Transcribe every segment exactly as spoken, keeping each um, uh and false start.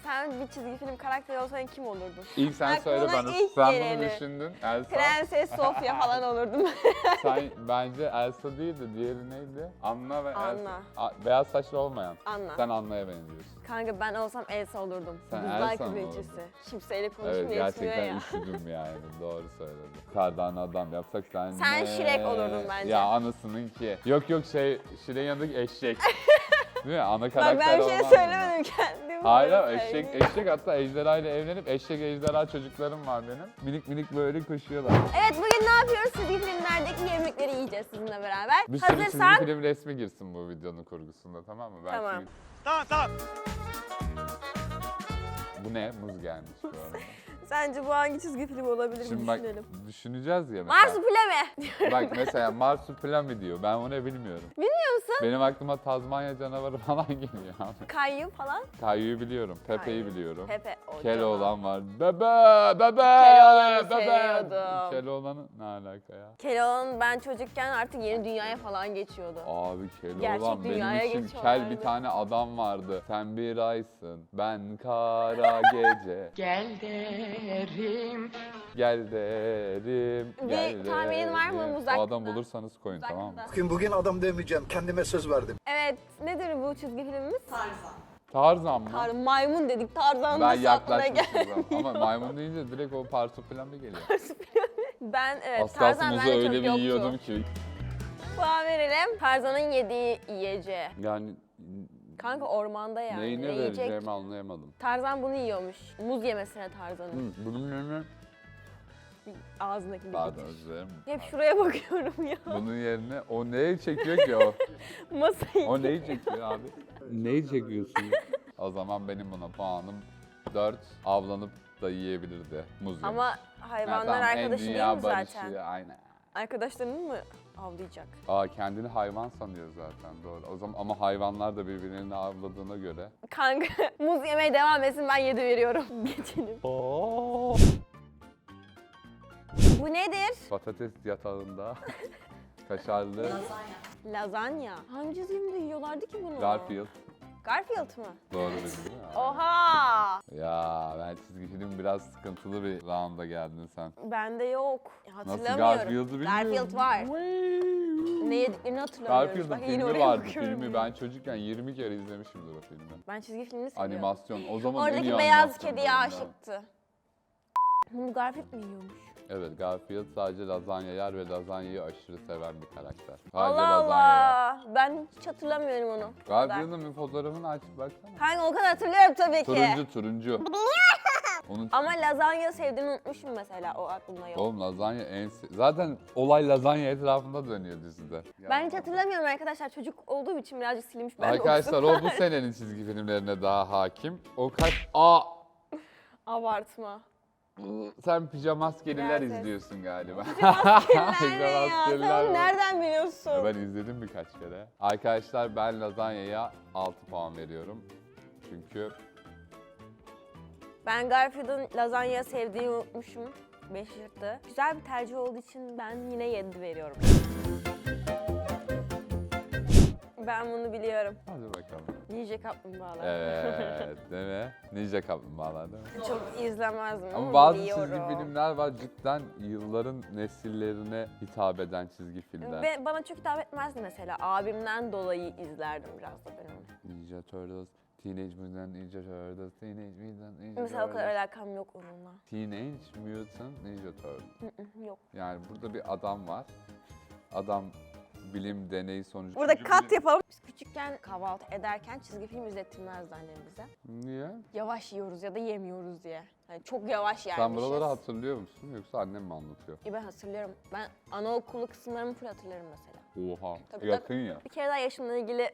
sen bir çizgi film karakteri olsan kim olurdun? İlk sen Aklına söyle bana. ilk Sen geleni. bunu düşündün. Elsa. Prenses Sofya falan olurdum. Sen bence Elsa değil de diğeri neydi? Anna ve Anna. Elsa. A- beyaz saçlı olmayan. Anna. Sen Anna'ya benziyorsun. Kanka ben olsam Elsa olurdum. Sen Buzlar Elsa mı kraliçesi. olurdun? Kimseyle konuşmuyor Evet yetmiyor gerçekten ya. üşüdüm yani. Doğru söyledin. Kardan adam yapsak sen Sen ne? Shrek olurdun bence. Ya anasının ki. Yok yok şey Shrek'in yanındaki eşek. Değil mi? Ana Bak karakter ben bir şey olmaz mı? söylemedim kendim. Hayır bunu ama eşek, söyleyeyim. eşek hatta ejderha ile evlenip eşek ejderha çocuklarım var benim. Minik minik böyle koşuyorlar. Evet bugün ne yapıyoruz? Çizgi filmlerdeki yemekleri yiyeceğiz sizinle beraber. Bir sürü Hazırsan çizgi film resmi girsin bu videonun kurgusunda, tamam mı? Ben Tamam. şimdi- Tamam tamam. Bu ne? Muz gelmiş bu arada. sence bu hangi çizgi film olabilir Şimdi mi bak düşünelim. düşüneceğiz ya mesela. Marsupilami. Bak mesela Marsupilami diyor. Ben onu bilmiyorum. Bilmiyor musun? Benim aklıma Tazmanya canavarı falan geliyor abi. Kayu falan. Kayu'yu biliyorum. Pepe'yi Kayu. biliyorum. Pepe. o Keloğlan canım. var. Bebe! Bebe! Keloğlan'ı Bebe! seviyordum. Keloğlan'ı ne alaka ya? Keloğlan ben çocukken artık yeni dünyaya falan geçiyordu. Abi Keloğlan Gerçek benim dünyaya için kel geçiyorlardı. bir tane adam vardı. Sen bir aysın, ben kara gece. Gel derim. Gel derim, Bir gel tahminin var mı derim. Muzak- O adam bulursanız koyun, tamam mı? Uzakta. Bugün bugün adam demeyeceğim. Kendime söz verdim. Evet, nedir bu çizgi filmimiz? Tarzan mı? Tar maymun dedik, Tarzan Ben nasıl aklına yaklaşmışım geldi? ama maymun deyince direkt o Marsupilami geliyor. Ben evet, Az kalsın Tarzan muzu bende öyle çok bir yoktu. yiyordum ki. Puan verelim. Tarzan'ın yediği yiyeceği. Yani Kanka ormanda yani. neyine ne yiyecek? vereceğimi anlayamadım. Tarzan bunu yiyormuş. Muz yemesine Tarzan'ın. Hı, bunun yerine... Ağzındaki bir Pardon getir. özür dilerim. Hep şuraya bakıyorum ya. Bunun yerine o neyi çekiyor ki o? Masayı. O neyi çekiyor abi? Neyi çekiyorsun? O zaman benim buna puanım dört. Avlanıp da yiyebilirdi muz yemiş. Ama Ha, hayvanlar tamam, en arkadaşı değil dünya mi barışı, zaten? Aynen. Arkadaşlarını mı avlayacak? Aa kendini hayvan sanıyor zaten, doğru. O zaman ama hayvanlar da birbirlerini avladığına göre. Kanka muz yemeye devam etsin, ben yedi veriyorum. Geçelim. Bu nedir? Patates yatağında kaşarlı Lazanya. Hangi çizgi filmde yiyorlardı ki bunu? Garfield. Garfield mı? Doğru bildin değil mi? Oha! Ya ben çizgi film biraz sıkıntılı bir rounda geldin sen. Bende yok. Nasıl Hatırlamıyorum. Garfield'ı bilmiyorum. Garfield var. Ne yediklerini hatırlamıyorum. Garfield'ın Bak, yine filmi oraya vardı, bakıyorum. filmi. Ben çocukken yirmi kere izlemişimdir o filmi. Ben çizgi filmini seviyorum. Animasyon. O zaman en iyi Oradaki beyaz animasyon kediye bölümler. aşıktı. Bunu Garfield mi yiyormuş? Evet, Garfield sadece lazanya yer ve lazanyayı aşırı seven bir karakter. Sadece Allah lazanya yer. Allah. Ben hiç hatırlamıyorum onu. O kadar. Garfield'ın bir fotoğrafını açıp baksana. Kanka o kadar hatırlıyorum tabii ki. Turuncu turuncu. Onun Ama lazanya sevdiğimi unutmuşum mesela, o aklımda yok. Oğlum lazanya en se- zaten olay lazanya etrafında dönüyor dizide. Ben hiç hatırlamıyorum arkadaşlar, çocuk olduğum için birazcık silinmiş. Ben de Arkadaşlar o bu senenin çizgi filmlerine daha hakim. O kaç... Aa! Abartma. Sen pijamaskeliler Prenses. izliyorsun galiba. Nerede ya? Sen Pijamaskeliler onu var. nereden biliyorsun? Ya ben izledim birkaç kere. Arkadaşlar ben lazanyaya altı puan veriyorum. Çünkü Ben Garfield'ın lazanya sevdiğini unutmuşum. beş yırttı. Güzel bir tercih olduğu için ben yine yedi veriyorum. Ben bunu biliyorum. hadi bakalım. Ninja Kaplumbağalar. Evet, değil mi? Ninja kaplumbağalar değil mi? Çok izlemezdim ama, Ama bazı biliyorum. çizgi filmler var cidden yılların nesillerine hitap eden çizgi filmler. Ve bana çok hitap etmezdi mesela. Abimden dolayı izlerdim biraz da ben onu. Ninja Turtles, Teenage Mutant Ninja Turtles, Teenage Mutant Ninja Mesela o kadar Turtles. alakam yok onunla. Teenage Mutant Ninja Turtles. Hı hı, yok. Yani burada bir adam var. Adam bilim deneyi sonucu... Burada Çocuk kat bilim- yapalım. Biz küçükken kahvaltı ederken çizgi film izlettirmezdi annem bize. Niye? Yavaş yiyoruz ya da yemiyoruz diye. Hani çok yavaş Sen yermişiz. buraları hatırlıyor musun yoksa annem mi anlatıyor? E ben hatırlıyorum. Ben anaokulu kısımlarımı full hatırlarım mesela. Oha, Tabii, yakın ya. Bir kere daha yaşımla ilgili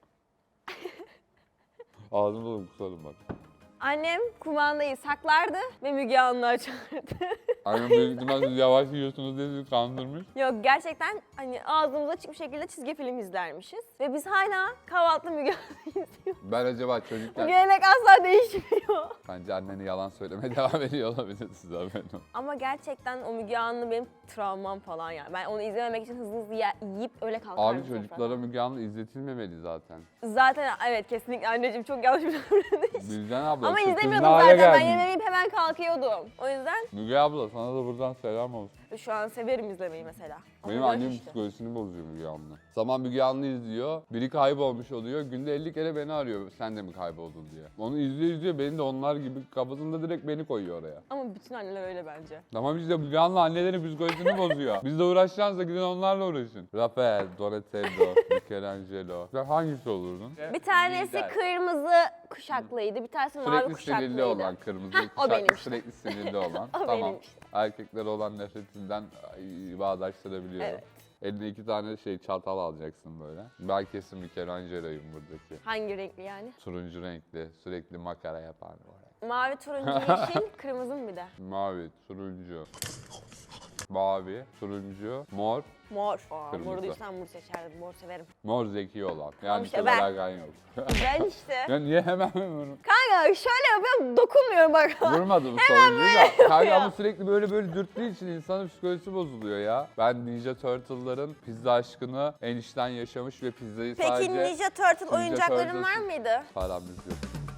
Ağzımda dolu kusarım bak. annem kumandayı saklardı ve Müge Anlı açardı. Annem büyük ihtimalle siz yavaş yiyorsunuz diye sizi kandırmış. Yok gerçekten hani ağzımız açık bir şekilde çizgi film izlermişiz. Ve biz hala kahvaltıda Müge Anlı izliyoruz. Ben acaba Bu çocukken... gelenek asla değişmiyor. Bence anneni yalan söylemeye devam ediyor olabilir size haberin olsun. Ama gerçekten o Müge Anlı benim travmam falan yani. Ben onu izlememek için hızlı hızlı ye- yiyip öyle kalkardım. Abi çocuklara Müge Anlı izletilmemeli zaten. Zaten evet kesinlikle anneciğim çok yanlış bir davranış. Müjgan abla Ama şu kız izlemiyordum ne hale zaten ben geldin? yemeğimi hemen kalkıyordum. O yüzden Müge abla sana da buradan selam olsun. şu an severim izlemeyi mesela. Ama Benim yaş annemin işte. psikolojisini bozuyor Müge Anlı. Zaman Müge Anlı izliyor, biri kaybolmuş oluyor, günde elli kere beni arıyor sen de mi kayboldun diye. Onu izliyor izliyor, beni de onlar gibi kafasında direkt beni koyuyor oraya. Ama bütün anneler öyle bence. Tamam işte Müge Anlı annelerin psikolojisini bozuyor. Biz de uğraşacağınızda gidin onlarla uğraşın. Rafael, Donatello, Michelangelo. Sen hangisi olurdun? Bir tanesi Lider. kırmızı kuşaklıydı, bir tanesi mavi Sürekli kuşaklıydı. sinirli olan, kırmızı Heh, o kuşaklı, benim işte. sürekli sinirli olan. O Tamam. benim işte. Erkeklere olan nefretinden ay, bağdaştırabiliyorum. Evet. Eline iki tane şey çatal alacaksın böyle. Ben kesin Michelangelo'yum buradaki. Hangi renkli yani? Turuncu renkli, sürekli makara yapan böyle. Mavi, turuncu, yeşil, kırmızı mı bir de? Mavi, turuncu, mavi, turuncu, mor, Mor. Aa, Kırmızı. moru duysam mor seçerdim, mor severim. mor zeki olan. Yani işte işte ben. alakan yok. Ben işte. Ya niye hemen bunu? Kanka şöyle yapıyorum, dokunmuyorum bak. Vurmadım sonuncuyu da. Kanka ama sürekli böyle böyle dürttüğü için insanın psikolojisi bozuluyor ya. Ben Ninja Turtle'ların pizza aşkını en içten yaşamış ve pizzayı Peki sadece Ninja Turtle Ninja oyuncakların var Turtles'ın- mıydı? paramız yok.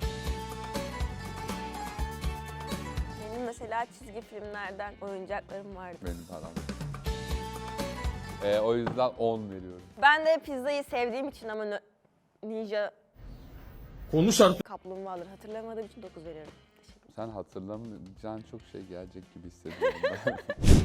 Benim mesela çizgi filmlerden oyuncaklarım vardı. Benim param yok. Ee, o yüzden on veriyorum. Ben de pizzayı sevdiğim için ama nö- Ninja Konuş artık. kaplumbağaları hatırlamadığım için dokuz veriyorum. Teşekkür ederim. Sen hatırlamayacağın çok şey gelecek gibi hissediyorum ben.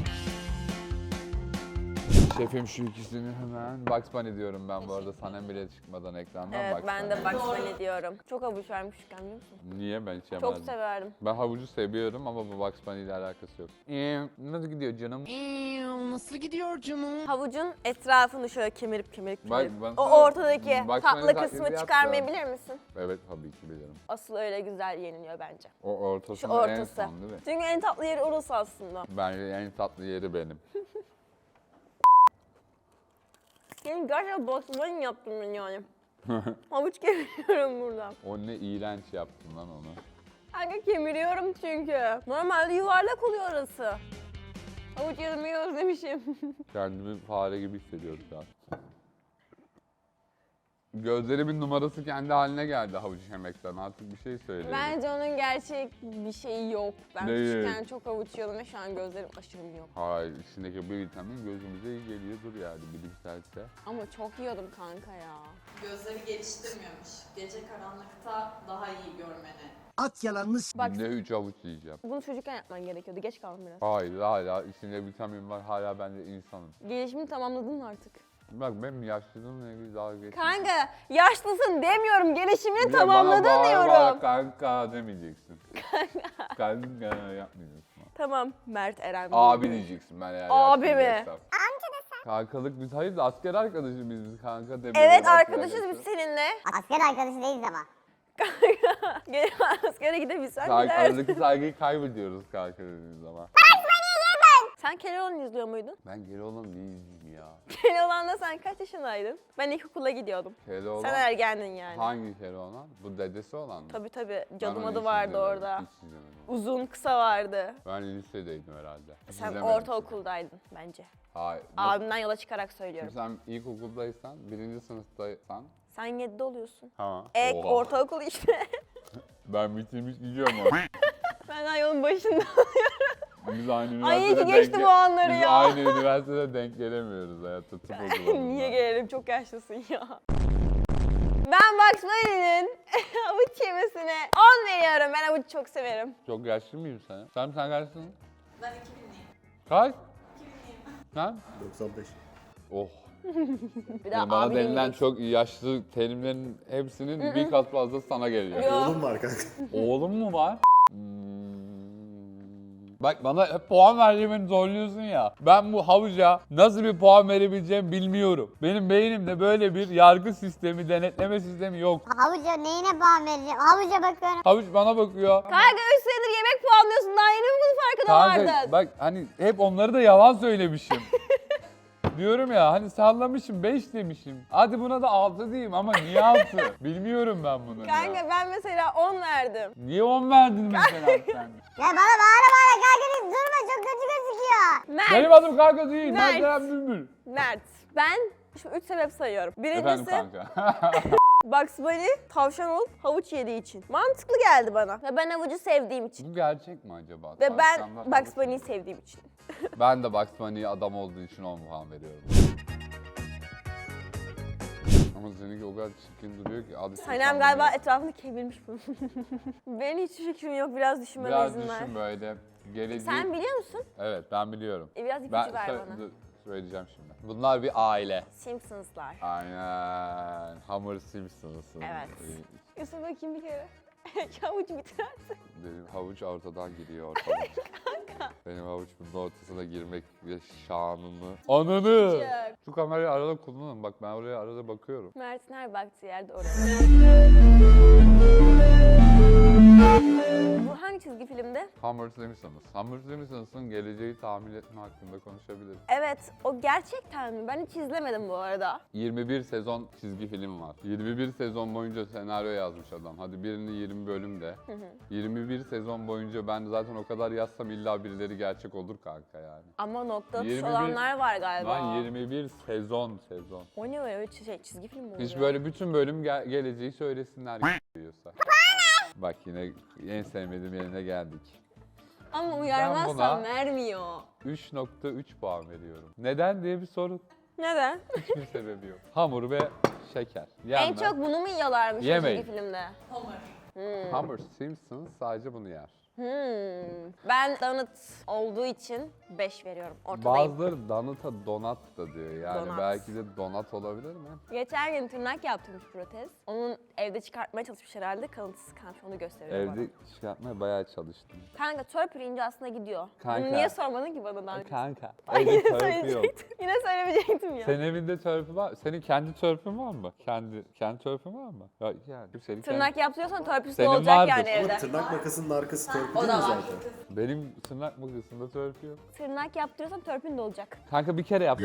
Şefim şu ikisini hemen Bugs Bunny diyorum ben bu arada Sanem bile çıkmadan ekrandan Evet Bugs ben de Bunny. Bugs Bunny diyorum. Çok havuç vermiş küçükken biliyor musun? Niye ben hiç Çok yemedim? severdim. Ben havucu seviyorum ama bu Bugs Bunny ile alakası yok. Ee, nasıl gidiyor canım? Nasıl gidiyor canım? Havucun etrafını şöyle kemirip kemirip Bak, kemirip. ben O sana ortadaki Bugs tatlı Bunny kısmı taklidi çıkarmayabilir misin? Evet tabii ki bilirim. Asıl öyle güzel yeniliyor bence. O ortası Şu en ortası. son değil mi? Çünkü en tatlı yeri orası aslında. Bence en tatlı yeri benim. Benim gerçekten Bugs Bunny yaptım ben yani. Havuç kemiriyorum burada. O ne iğrenç yaptın lan onu. Kanka kemiriyorum çünkü. Normalde yuvarlak oluyor orası. Havuç yemeyi özlemişim. Kendimi fare gibi hissediyorum şu an. Gözlerimin numarası kendi haline geldi havuç yemekten. Artık bir şey söyleyeyim. Bence onun gerçek bir şeyi yok. Ben Değil. küçükken çok havuç yiyordum ve şu an gözlerim aşırı yok. Hayır, içindeki bir vitamin gözümüze iyi geliyordur yani bilimselse. Ama çok yiyordum kanka ya. Gözleri geliştirmiyormuş. Gece karanlıkta daha iyi görmeni. At yalanını s- Bak Günde üç havuç yiyeceğim. bunu çocukken yapman gerekiyordu. Geç kaldım biraz. Hayır, hala içinde vitamin var, hala ben de insanım. Gelişimini tamamladın mı artık? Bak benim yaşlılığımla ilgili dalga geçme. Kanka yaşlısın demiyorum. Gelişimini Bir de bana tamamladın bağır diyorum. bağır kanka demeyeceksin. Kanka. Kanka yapmayacaksın. Tamam Mert Eren. Abi diyeceksin ben eğer Abi mi? yaşlıyacaksam. Amca desen. Kankalık biz hayır da asker arkadaşız biz, biz kanka demiyoruz. Evet asker arkadaşız biz arkadaşız. seninle. Asker arkadaşı değiliz ama. Gel askere gidebilsen Sa- gidersin. aradaki saygıyı kaybediyoruz kanka dediğimiz zaman. Sen Keloğlan'ı izliyor muydun? Ben geri olan ne izleyeyim ya? Keloğlan'da sen kaç yaşındaydın? Ben ilkokula gidiyordum. Keloğlan. Sen ergendin yani. Hangi Keloğlan? Bu dedesi olan mı? Tabii tabii. Ben Cadım onu adı hiç vardı izlemedim, orada. Hiç izlemedim. Uzun kısa vardı. Ben lisedeydim herhalde. Hiç Sen izlemedim. ortaokuldaydın bence. Hayır. Nasıl- Abimden yola çıkarak söylüyorum. Şimdi sen ilkokuldaysan, birinci sınıftaysan. Sen yedide oluyorsun. Ha. E Oha. ortaokul işte. Ben bitirmiş gidiyorum ama. Ben daha yolun başında. Biz aynı Ay iyi üniversitede ki geçtim denk- o anları Biz ya. aynı üniversitede denk gelemiyoruz hayatta. Tıp okulalım Niye ben. gelelim? Çok yaşlısın ya. Ben Bugs Bunny'nin havuç yemesine on veriyorum. Ben havuç çok severim. Çok yaşlı mıyım sen? Sen sen kaçsın? Ben iki binliyim. Kaç? iki binliyim. Sen? doksan beş. Oh. Bir daha Yani bana abi denilen demeyeceksin. çok yaşlı terimlerin hepsinin bir kat fazla sana geliyor. Yo. Oğlum var kanka. Oğlum mu var? Hmm. Bak bana hep puan verdiğimi zorluyorsun ya. Ben bu havuca nasıl bir puan verebileceğimi bilmiyorum. Benim beynimde böyle bir yargı sistemi, denetleme sistemi yok. Havuca neyine puan vereceğim? Havuca bakıyorum. Havuç bana bakıyor. Kanka üç senedir yemek puanlıyorsun. Daha yeni mi bunun farkına Kanka vardın? bak hani hep onları da yalan söylemişim. Diyorum ya hani sallamışım beş demişim. Hadi buna da altı diyeyim ama niye altı? Bilmiyorum ben bunu Kanka ya. ben mesela on verdim. Niye on verdin mesela sen? Ya bana bağıra bağıra kanka deyip durma, çok kötü gözüküyor. Mert. Benim adım kanka değil. Mert. Ben Kerem Bülbül. Mert. Ben şimdi üç sebep sayıyorum. Efendim Birincisi kanka. Bugs Bunny tavşan olup havuç yediği için. Mantıklı geldi bana. Ve ben havucu sevdiğim için. Bu gerçek mi acaba? Ve ben Tavşanlar Bugs havuç Bunny'yi yiyor. sevdiğim için. Ben de Bugs Bunny'ye adam olduğu için on puan veriyorum. Ama seninki o kadar çirkin duruyor ki. Adı Sanem galiba etrafını kemirmiş bunun. Benim hiç fikrim yok. Biraz düşünmeme Biraz izin ver. düşün böyle. Geleceği... Sen biliyor musun? Evet ben biliyorum. E, biraz ipucu Ben ver sö- bana. dur, söyleyeceğim şimdi. Bunlar bir aile. Simpsons'lar. Aynen. Homer Simpsons'ın. Evet. Ee, Yusuf bakayım bir kere. Havuç bitirersin. Benim havuç ortadan giriyor ortadan. Benim havuç bunun ortasına girmek ve şanını. Ananı! Çok. Şu kamerayı arada kullanın. Bak ben oraya arada bakıyorum. Mert'in her baktığı yerde orası. Bu hangi çizgi filmde? Homer Simpsons. Homer Simpsons'ın geleceği tahmin etme hakkında konuşabiliriz. Evet, o gerçekten mi? Ben hiç izlemedim bu arada. yirmi bir sezon çizgi film var. yirmi bir sezon boyunca senaryo yazmış adam. Hadi birini yirmi bölüm de. yirmi bir sezon boyunca ben zaten o kadar yazsam illa birileri gerçek olur kanka yani. Ama nokta atış yirmi bir olanlar var galiba. Lan yirmi bir sezon sezon. O ne öyle şey, çizgi film mi oluyor? Hiç böyle bütün bölüm gel- geleceği söylesinler diyorsa. Bak yine en sevmediğim yerine geldik. Ama Ben uyarmazsan buna- vermiyor. üç nokta üç puan veriyorum. Neden diye bir soru. Neden? Hiçbir sebebi yok. Hamur ve şeker. En Yenmez. çok bunu mu yiyorlarmış o Yemeyin. çizgi filmde? Homer. Homer Simpson sadece bunu yer. Hmm. Ben donut olduğu için beş veriyorum. Ortadayım. Bazıları donut'a donat da diyor yani. Donat. Belki de donat olabilir mi? Geçen gün tırnak yaptırmış protez. Onun evde çıkartmaya çalışmış herhalde. Kalıntısı kalmış, onu gösteriyor bana. Evde çıkartmaya bayağı çalıştım. Kanka törpür ince aslında gidiyor. Kanka. Bunu niye sormadın ki bana daha önce? Kanka. Ay, Evde yine törpü yok. söyleyecektim. Yine söylemeyecektim ya. Senin evinde törpü var. Senin kendi törpün var mı? Kendi kendi törpün var mı? Ya yani senin kendi- Tırnak yaptırıyorsan törpüsü de Senin olacak vardır. yani evde. Tırnak makasının arkası törpü O değil da mi var. zaten? Benim tırnak makasında törpü yok. Tırnak yaptırıyorsan törpün de olacak. Kanka bir kere yap.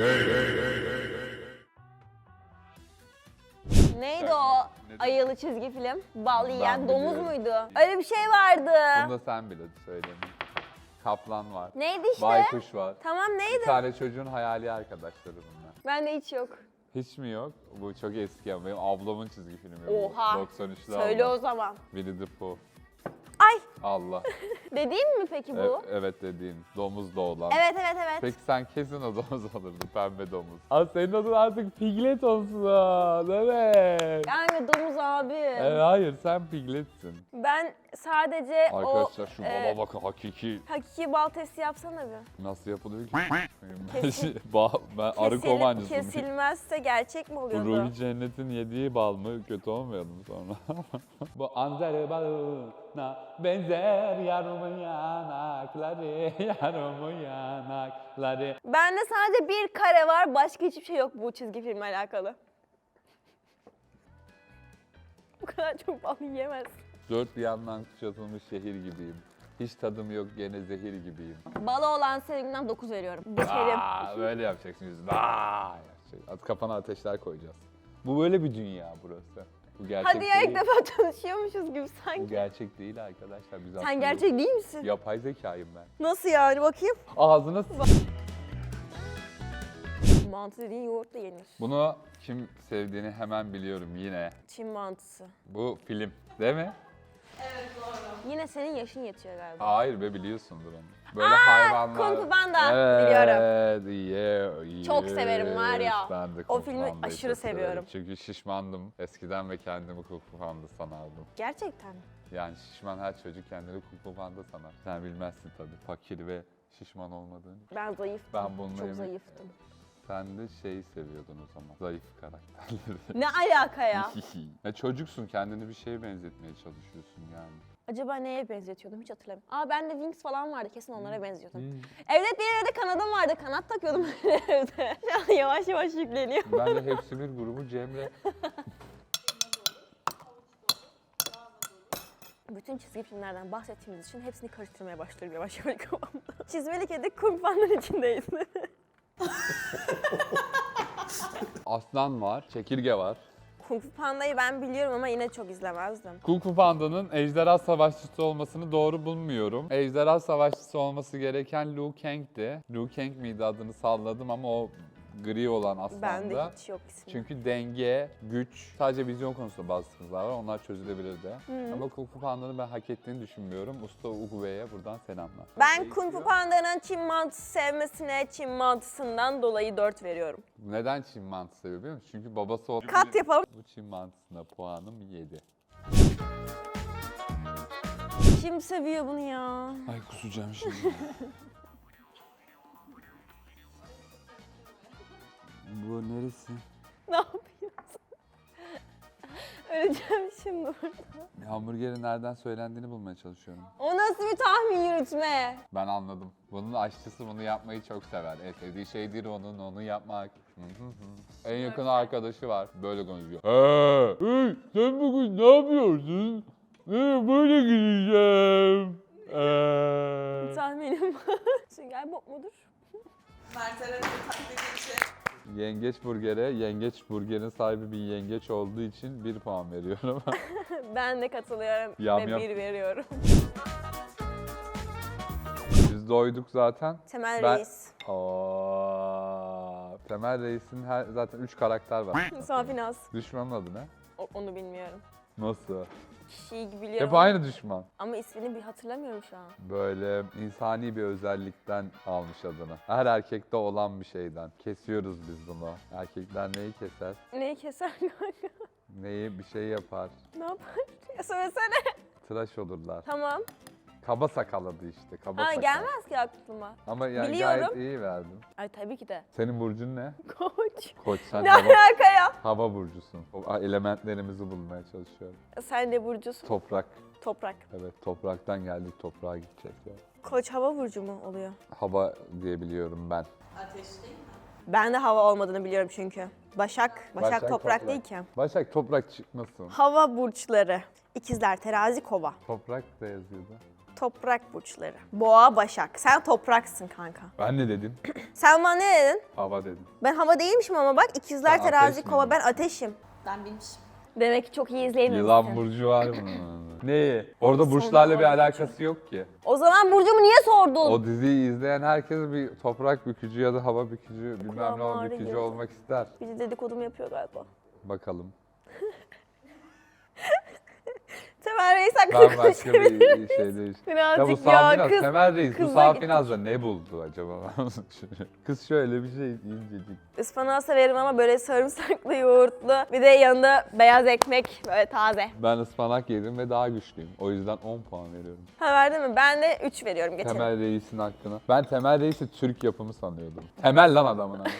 Neydi o ayılı çizgi film? Bal yiyen domuz biliyorum. muydu? Öyle bir şey vardı. Bunu da sen bile söyle. Kaplan var. Neydi işte? Baykuş var. Tamam Bir neydi? tane çocuğun hayali arkadaşları bunlar. Bende hiç yok. Hiç mi yok? Bu çok eski ama benim ablamın çizgi filmi bu. Oha. doksan üçlü Söyle ablam. o zaman. Winnie the Pooh. Ay Allah. dediğin mi peki E- bu? evet dediğin. Domuz da olan. Evet evet evet. Peki sen kesin o domuz olurdu. Pembe domuz. Aa senin adın artık Piglet olsun. Evet. Yani domuz abi. E, hayır sen Piglet'sin. Ben sadece Arkadaşlar o şu e, bala bakın hakiki. hakiki bal testi yapsana bir. Nasıl yapılıyor ki? Kesin- Ba- ben arı Kesil- kovancısıyım. Kesilmezse gerçek mi Bu oluyordu? Ruhi Cennet'in yediği bal mı? Kötü olmayalım sonra. Bu anzer balına benzer yarımın yanakları, yarımın yanakları. Bende sadece bir kare var, başka hiçbir şey yok bu çizgi filmle alakalı. Bu kadar çok bal yiyemez. Dört bir yandan kuşatılmış şehir gibiyim. Hiç tadım yok gene zehir gibiyim. Balı olan sevgimden dokuz veriyorum. Geçelim. Aa, böyle yapacaksın yüzünü. Aa, yapacak. At kafana ateşler koyacağız. Bu böyle bir dünya burası. Bu gerçek Hadi ya ilk değil. defa tanışıyormuşuz gibi Bu sanki. gerçek değil arkadaşlar. Biz aslında Sen gerçek değil misin? yapay zekayım ben. Nasıl yani bakayım? Ağzına s- Mantı dediğin yoğurtla yenir. Bunu kim sevdiğini hemen biliyorum yine. Çin mantısı. Bu film değil mi? Evet doğru. Yine senin yaşın yetiyor galiba. Hayır be biliyorsundur onu. Böyle hayvanlar. Kung Fu Panda, evet, biliyorum. Yeah, Çok yes. severim var ya. Ben de O Kung Fu filmi Panda'yı aşırı çok severim. seviyorum. Çünkü şişmandım eskiden ve kendimi Kung Fu Panda sanardım. Gerçekten. Yani şişman her çocuk kendini Kung Fu Panda sanar. Sen bilmezsin tabii fakir ve şişman olmadığını. Ben zayıftım. Ben bununla Çok emin- zayıftım. Sen de şeyi seviyordun o zaman. Zayıf karakterleri. Ne alaka ya? ya çocuksun kendini bir şeye benzetmeye çalışıyorsun yani. Acaba neye benzetiyordum hiç hatırlamıyorum. Aa bende Wings falan vardı, kesin onlara benziyordum. Hmm. Evet benim evde kanadım vardı, kanat takıyordum evde. Şu an yavaş yavaş yükleniyor. Ben de hepsi bir grubu Cemre. Bütün çizgi filmlerden bahsettiğimiz için hepsini karıştırmaya başlıyorum yavaş yavaş kafamda. Çizmeli kedi Kung Panda'nın içindeyiz. Aslan var, çekirge var. Kung Fu Panda'yı ben biliyorum ama yine çok izlemezdim. Kung Fu Panda'nın ejderha savaşçısı olmasını doğru bulmuyorum. Ejderha savaşçısı olması gereken Liu Kang'ti. Liu Kang miydi adını salladım ama o gri olan aslında. Bende hiç yok ismi. Çünkü denge, güç, sadece vizyon konusunda bazı sıkıntılar var. Onlar çözülebilirdi. Hı. Ama Kung Fu Panda'nın ben hak ettiğini düşünmüyorum. Usta Ugue'ye buradan selamlar. Ben Kung Fu Panda'nın Çin mantısı sevmesine Çin mantısından dolayı dört veriyorum. Neden Çin mantısı seviyor biliyor musun? Çünkü babası o... Kat yapalım. Bu Çin mantısına puanım yedi. Kim seviyor bunu ya? Ay kusacağım şimdi. Bu neresi? Ne yapıyorsun? Öleceğim şimdi burada. Hamburgerin nereden söylendiğini bulmaya çalışıyorum. O nasıl bir tahmin yürütme? Ben anladım. Bunun aşçısı bunu yapmayı çok sever. En sevdiği şeydir onun, onu yapmak. Hı hı hı. En yakın arkadaşı var. Böyle konuşuyor. He, hey, sen bugün ne yapıyorsun? Nereye böyle gideceğim? Ee. Tahminim var. Sünger Bob mudur? Mert Eren'in taklidi için. Yengeç burgere, yengeç burgerin sahibi bir yengeç olduğu için bir puan veriyorum. Ben de katılıyorum Yam ve yam. bir veriyorum. Biz doyduk zaten. Temel Ben- Reis. Aa, Temel Reis'in her, zaten üç karakter var. Safinaz. Düşmanın adı ne? O- onu bilmiyorum. Nasıl? Kişiyi biliyorum. Hep aynı düşman. Ama ismini bir hatırlamıyorum şu an. Böyle insani bir özellikten almış adını. Her erkekte olan bir şeyden. Kesiyoruz biz bunu. Erkekler neyi keser? Neyi keser kanka? Neyi bir şey yapar? Ne yapar? Ya söylesene. Tıraş olurlar. Tamam. Kaba sakallı işte. Kaba Ha sakal. gelmez ki aklıma. Ama yani Biliyorum. gayet iyi verdim. Ay tabii ki de. Senin burcun ne? Koç. Koç. Sen Ne hava, alaka ya? hava burcusun. O elementlerimizi bulmaya çalışıyorum. Sen de burcusun. Toprak. Toprak. Evet, topraktan geldik, toprağa gideceğiz ya. Koç hava burcu mu oluyor? Hava diyebiliyorum ben. Ateş değil mi? Ben de hava olmadığını biliyorum çünkü. Başak. Başak, Başak toprak, toprak. değil ki. Başak toprak çıkmasın. Hava burçları. İkizler, terazi, kova. Toprak da yazıyordu. Toprak burçları. Boğa, başak. Sen topraksın kanka. Ben ne dedim? Sen bana ne dedin? Hava dedim. Ben hava değilmişim ama bak ikizler, Sen terazi, ateş kova. miydin? Ben ateşim. Ben bilmişim. Demek ki çok iyi izleyemiyorsun. Yılan burcu var mı? Neyi? Orada burçlarla bir alakası yok ki. O zaman burcumu niye sordun? O diziyi izleyen herkes bir toprak bükücü ya da hava bükücü, bilmem ne kulağıma o ağrı bükücü girdi. olmak ister. Biri dedikodumu yapıyor galiba. Bakalım. Temel Reis hakkında Ben başka konuşabilir bir miyiz? şey değiştim. Ya bu Birazcık ya, Safinaz, kız. Temel Reis bu kızla Safinaz'da ne buldu acaba? Kız şöyle bir şey incecik. Ispanağı severim ama böyle sarımsaklı, yoğurtlu. Bir de yanında beyaz ekmek böyle taze. Ben ıspanak yedim ve daha güçlüyüm. O yüzden on puan veriyorum. Ha verdin mi? Ben de üç veriyorum geçelim. Temel Reis'in hakkına. Ben Temel Reis'i Türk yapımı sanıyordum. Temel lan adamın adı.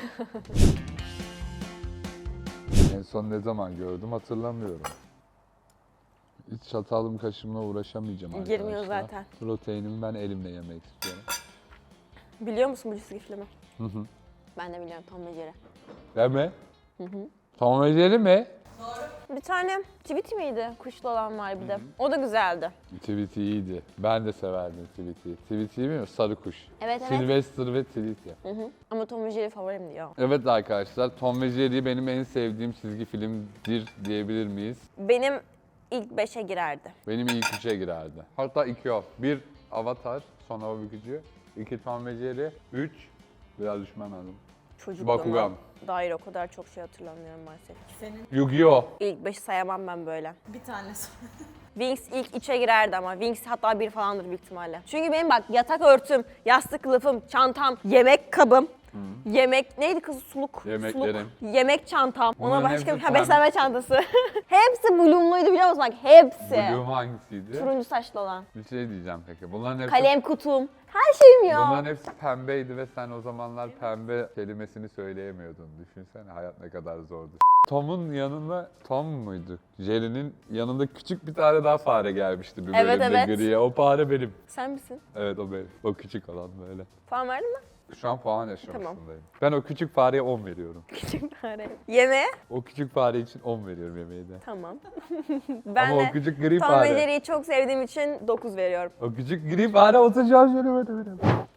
En son ne zaman gördüm hatırlamıyorum. Hiç çatalım kaşımla uğraşamayacağım arkadaşlar. Girmiyor zaten. Proteinimi ben elimle yemek istiyorum. Biliyor musun bu çizgi filmi? Hı hı. Ben de biliyorum Tom ve Jerry. Değil mi? Hı hı. Tom ve Jerry mi? Bir tane Tweety miydi? Kuşlu olan var bir de. O da güzeldi. Tweety iyiydi. Ben de severdim Tweety'yi. Tweety'yi bilmiyor musun? Sarı kuş. Evet, evet. Sylvester ve Tweety. Hı hı. Ama Tom ve Jerry favorimdi ya. Evet arkadaşlar, Tom ve Jerry benim en sevdiğim çizgi filmdir diyebilir miyiz? Benim ilk beşe girerdi. Benim ilk üçe girerdi. Hatta iki o. Bir Avatar, son hava bükücü. İki Tom ve Jerry. Üç, biraz düşman lazım. Çocukluğuma Bakugan. dair o kadar çok şey hatırlamıyorum maalesef. Senin Yu-Gi-Oh! İlk beşi sayamam ben böyle. bir tanesi. Wings ilk üçe girerdi ama Wings hatta bir falandır büyük ihtimalle. Çünkü benim bak yatak örtüm, yastık kılıfım, çantam, yemek kabım, yemek neydi kız suluk? Yemeklerim. Suluk, yemek çantam. Ona Bunların başka bir hepsi ha, pembe. beslenme çantası. Hepsi Bloom'luydu biliyor musun? Bak hepsi. Bloom hangisiydi? Turuncu saçlı olan. Bir şey diyeceğim peki. Bunların hepsi, Kalem kutum. Her şeyim ya. bunların hepsi pembeydi ve sen o zamanlar pembe kelimesini söyleyemiyordun. Düşünsene hayat ne kadar zordu. Tom'un yanında, Tom muydu? Jerry'nin yanında küçük bir tane daha fare gelmişti bir Evet, bölümde evet. griye. O fare benim. Sen misin? Evet o benim. O küçük olan böyle. Puan verdin mi? Şu an puan aşamasındayım. Ben o küçük fareye on veriyorum. Küçük fare. Yemeğe? O küçük fare için on veriyorum yemeği de. Tamam. ben Ama de o küçük gri Tom ve fare. Jerry'yi çok sevdiğim için dokuz veriyorum. O küçük gri fare oturacağım şöyle böyle böyle.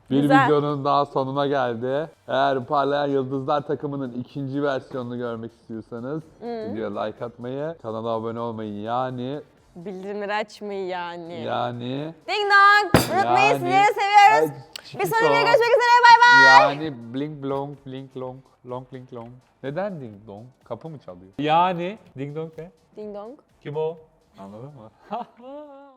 Bir Güzel. videonun daha sonuna geldi. Eğer Parlayan Yıldızlar takımının ikinci versiyonunu görmek istiyorsanız videoya like atmayı, kanala abone olmayı yani Bildirimleri açmayı yani. yani Ding dong. Unutmayın Yani- sizleri seviyoruz. Ay, Bir sonraki Chiquito. videoda görüşmek üzere. Bay bay. Yani blink blong blink long long blink long. Neden ding dong? Kapı mı çalıyor? Yani ding dong ne? Ding dong. Kim o? Anladın mı?